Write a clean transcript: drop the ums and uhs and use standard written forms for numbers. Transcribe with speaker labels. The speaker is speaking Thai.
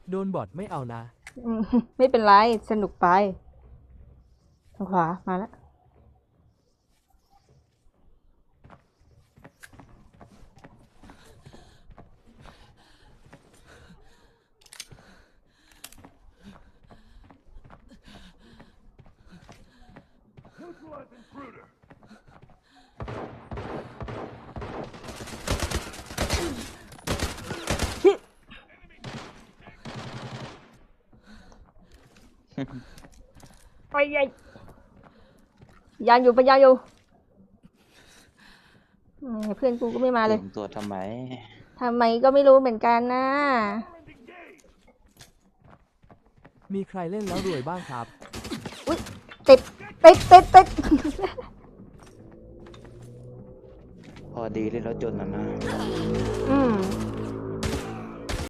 Speaker 1: โดนบอทไม่เอานะ
Speaker 2: ไม่เป็นไรสนุกไปทางขวามาแล้ว ไปยัยยานอยู่ไปยานอยู่เพื่อนกูก็ไม่มาเลย
Speaker 3: เตรียมตัวทำไม
Speaker 2: ทำไมก็ไม่รู้เหมือนกันนะ
Speaker 1: มีใครเล่นแล้วรวยบ้างครับ
Speaker 2: อุ๊ยติดติดติดติด
Speaker 3: พอดีเลยแล้วจนนะ
Speaker 2: อืม